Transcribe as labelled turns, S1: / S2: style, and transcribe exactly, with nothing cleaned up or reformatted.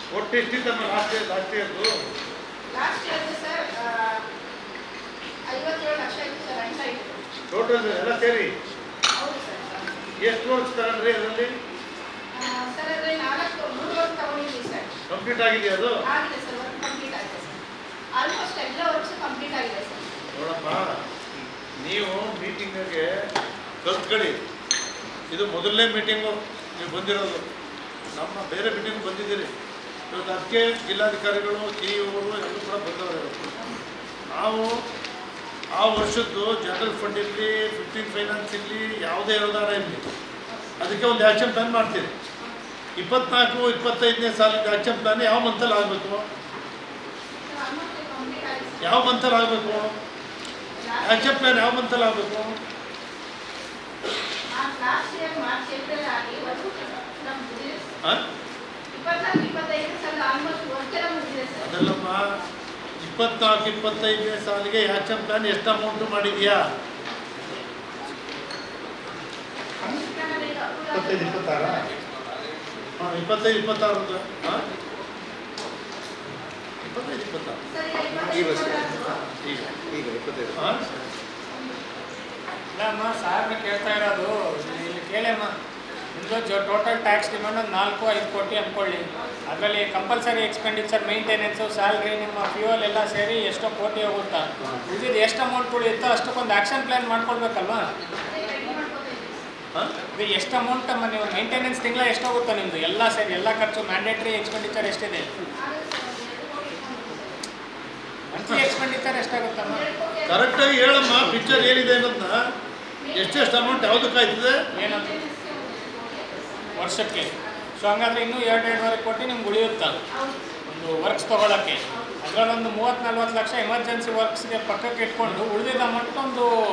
S1: ಒಟ್ಟು ಎಷ್ಟಿತ್ತಮ್ಮ last year last ಇಯರ್ದು
S2: ಲಾಸ್ಟ್ ಇಯರ್ ಸರ್ ಐವತ್ತೇಳು ಲಕ್ಷ ಇತ್ತು ಸರ್ ಅಂತ ಇತ್ತು
S1: ಟೋಟಲ್ ಎಲ್ಲ ಸೇರಿ.
S2: ಹೌದು ಸರ್.
S1: ಎಷ್ಟು ವರ್ಕ್ಸ್ ತಗೊಂಡ್ರಿ ಅದರಲ್ಲಿ?
S2: ಸರ್ ಅದರಲ್ಲಿ ನಾಲ್ಕು ಮೂರು ವರ್ಕ್ ತಗೊಂಡಿದ್ದೀವಿ ಸರ್.
S1: ಕಂಪ್ಲೀಟ್ ಆಗಿದೆಯಾ ಅದು?
S2: ಆಗಿದೆ ಸರ್, ವರ್ಕ್ ಕಂಪ್ಲೀಟ್ ಆಗಿದೆ ಸರ್. ಆಲ್ಮೋಸ್ಟ್ ಎಲ್ಲ ವರ್ಕ್ಸ್ ಕಂಪ್ಲೀಟ್ ಆಗಿದೆ ಸರ್.
S1: ನೋಡಪ್ಪ, ನೀವು ಮೀಟಿಂಗ್ಗೆ ಕಲ್ತ್ಕೊಳ್ಳಿ. ಇದು ಮೊದಲನೇ ಮೀಟಿಂಗು ನೀವು ಬಂದಿರೋದು. ನಮ್ಮ ಬೇರೆ ಮೀಟಿಂಗ್ ಬಂದಿದ್ದೀರಿ ಇವತ್ತು. ಅದಕ್ಕೆ ಜಿಲ್ಲಾಧಿಕಾರಿಗಳು ಸಿ ಇ ಅವರು ಎಲ್ಲರೂ ಕೂಡ ಬಂದವರು. ನಾವು ಆ ವರ್ಷದ್ದು ಜನರಲ್ ಫಂಡ್ ಇರಲಿ, ಫಿಫ್ಟೀನ್ ಫೈನಾನ್ಸ್ ಇರಲಿ, ಯಾವುದೇ ಅನುದಾನ ಇರಲಿ, ಅದಕ್ಕೆ ಒಂದು ಆ್ಯಕ್ಷನ್ ಪ್ಲಾನ್ ಮಾಡ್ತೀರಿ. ಇಪ್ಪತ್ನಾಲ್ಕು ಇಪ್ಪತ್ತೈದನೇ ಸಾಲಿನ ಆ್ಯಕ್ಷನ್ ಪ್ಲಾನ್ ಯಾವ ಮಂತಲ್ಲಿ ಆಗಬೇಕು? ಯಾವ ಮಂತಲ್ಲಿ ಆಗಬೇಕು? ಆ್ಯಕ್ಷನ್ ಪ್ಲಾನ್ ಯಾವ ಮಂತಲ್ಲಿ ಆಗಬೇಕು? ಅದಲ್ಲಮ್ಮ, ಇಪ್ಪತ್ನಾಲ್ಕು ಇಪ್ಪತ್ತೈದನೇ ಸಾಲಿಗೆ ಆ್ಯಕ್ಷನ್ ಪ್ಲಾನ್ ಎಷ್ಟು ಅಮೌಂಟ್ ಮಾಡಿದೆಯಾ? ಇಪ್ಪತ್ತೈದು ಇಪ್ಪತ್ತಾರ ಹಾಂ ಇಪ್ಪತ್ತೈದು ಇಪ್ಪತ್ತಾರು ಹಾಂ ಇಪ್ಪತ್ತೈದು ಇಪ್ಪತ್ತಾರು
S3: ಈ ವರ್ಷ
S1: ಈಗ
S3: ಈಗ ಇಪ್ಪತ್ತೈದು.
S1: ಹಾಂ
S4: ಅಮ್ಮ ಸಾರ್ನ ಕೇಳ್ತಾ ಇರೋದು ಇಲ್ಲಿ ಕೇಳಮ್ಮ. ನಿಮ್ಮದು ಜೊ ಟೋಟಲ್ ಟ್ಯಾಕ್ಸ್ ಡಿಮಾಂಡ್ ಒಂದು ನಾಲ್ಕು ಐದು ಕೋಟಿ ಅಂದ್ಕೊಳ್ಳಿ. ಅದರಲ್ಲಿ ಕಂಪಲ್ಸರಿ ಎಕ್ಸ್ಪೆಂಡಿಚರ್, ಮೇಂಟೆನೆನ್ಸು, ಸ್ಯಾಲ್ರಿ, ನಿಮ್ಮ ಫ್ಯೂಯಲ್ ಎಲ್ಲ ಸೇರಿ ಎಷ್ಟೋ ಕೋಟಿ ಹೋಗುತ್ತಾ? ಉಳಿದಿದ್ದು ಎಷ್ಟು ಅಮೌಂಟ್ ಉಳಿಯುತ್ತೋ ಅಷ್ಟಕ್ಕೊಂದು ಆ್ಯಕ್ಷನ್ ಪ್ಲ್ಯಾನ್ ಮಾಡ್ಕೊಳ್ಬೇಕಲ್ವಾ?
S1: ಹಾಂ
S4: ಇದು ಎಷ್ಟು ಅಮೌಂಟ್ ಅಮ್ಮ? ನೀವು ಮೇಂಟೆನೆನ್ಸ್ ತಿಂಗಳ ಎಷ್ಟೋಗುತ್ತೋ ನಿಮ್ಮದು ಎಲ್ಲ ಸೇರಿ ಎಲ್ಲ ಖರ್ಚು ಮ್ಯಾಂಡೇಟ್ರಿ ಎಕ್ಸ್ಪೆಂಡಿಚರ್ ಎಷ್ಟಿದೆ? ಮಂತ್ಲಿ ಎಕ್ಸ್ಪೆಂಡಿಚರ್ ಎಷ್ಟಾಗುತ್ತಮ್ಮ?
S1: ಕರೆಕ್ಟಾಗಿ ಹೇಳಮ್ಮ, ಪಿಕ್ಚರ್ ಏನಿದೆ ಅನ್ನೋದನ್ನ. ಎಷ್ಟೆಷ್ಟು ಅಮೌಂಟ್ ಯಾವುದಕ್ಕಾಯ್ತದೆ
S4: ಏನಂತ ವರ್ಷಕ್ಕೆ? ಸೊ ಹಂಗಾದ್ರೆ ಇನ್ನೂ ಎರಡು ಎರಡೂವರೆ ಕೋಟಿ ನಿಮ್ಗೆ ಉಳಿಯುತ್ತಾ ಒಂದು ವರ್ಕ್ಸ್ ತೊಗೊಳಕ್ಕೆ? ಅದರಲ್ಲೊಂದು ಮೂವತ್ತು ನಲ್ವತ್ತು ಲಕ್ಷ ಎಮರ್ಜೆನ್ಸಿ ವರ್ಕ್ಸ್ಗೆ ಪಕ್ಕಕ್ಕೆ ಇಟ್ಕೊಂಡು ಉಳಿದಿದ್ದ ಅಮೌಂಟ್ ಒಂದು